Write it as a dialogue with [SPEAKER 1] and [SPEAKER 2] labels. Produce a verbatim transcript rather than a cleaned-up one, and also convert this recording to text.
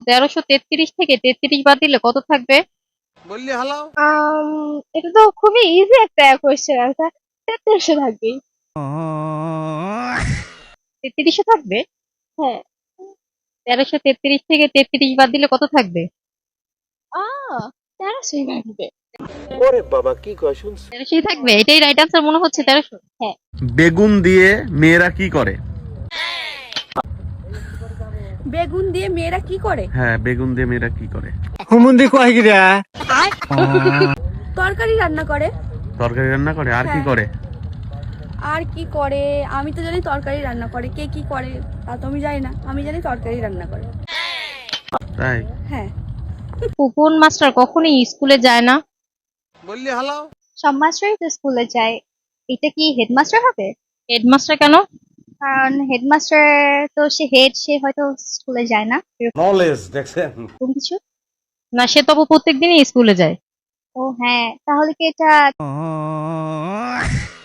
[SPEAKER 1] তেরোশো তেত্রিশ থেকে তেত্রিশ বাদ দিলে কত থাকবে?
[SPEAKER 2] বললি হালাও।
[SPEAKER 3] আম এটা তো খুবই ইজি একটা কোয়েশ্চেন আনসার। তেত্রিশশো থাকবেই।
[SPEAKER 1] তেত্রিশশো থাকবে?
[SPEAKER 3] হ্যাঁ।
[SPEAKER 1] তেরোশো তেত্রিশ থেকে তেত্রিশ বাদ দিলে কত থাকবে?
[SPEAKER 3] আ তেরোশোই থাকবে।
[SPEAKER 2] ওরে বাবা কি কয় শুনছ?
[SPEAKER 1] তেরোশোই থাকবে, এটাই রাইট আনসার মনে হচ্ছে। তেরোশো।
[SPEAKER 3] হ্যাঁ।
[SPEAKER 4] বেগুন দিয়ে মেয়েরা কি করে?
[SPEAKER 5] বেগুন দিয়ে মেয়েরা কি করে?
[SPEAKER 4] হ্যাঁ, বেগুন দিয়ে মেয়েরা কি করে?
[SPEAKER 6] হুমুন্দি কয় গিরা
[SPEAKER 5] তরকারি রান্না করে।
[SPEAKER 4] তরকারি রান্না করে, আর কি
[SPEAKER 5] হ্যাঁ।
[SPEAKER 4] করে?
[SPEAKER 5] আর কি করে? আমি তো জানি তরকারি রান্না করে, কে কি করে তা তো আমি জানি না, আমি জানি তরকারি রান্না করে।
[SPEAKER 4] তাই?
[SPEAKER 5] হ্যাঁ।
[SPEAKER 1] কোন মাস্টার কখনোই স্কুলে যায় না?
[SPEAKER 2] বললি হালাও।
[SPEAKER 3] সব মাস্টারই তো স্কুলে যায়। এটা কি হেডমাস্টার হবে?
[SPEAKER 1] হেডমাস্টার কেন?
[SPEAKER 3] কারণ হেডমাস্টার তো সে হেড, সে হয়তো স্কুলে যায় না
[SPEAKER 2] নলেজ দেখছেন?
[SPEAKER 3] এরকম কিছু।
[SPEAKER 1] না, সে তো প্রত্যেক দিনই স্কুলে যায়।
[SPEAKER 3] ও হ্যাঁ, তাহলে কি এটা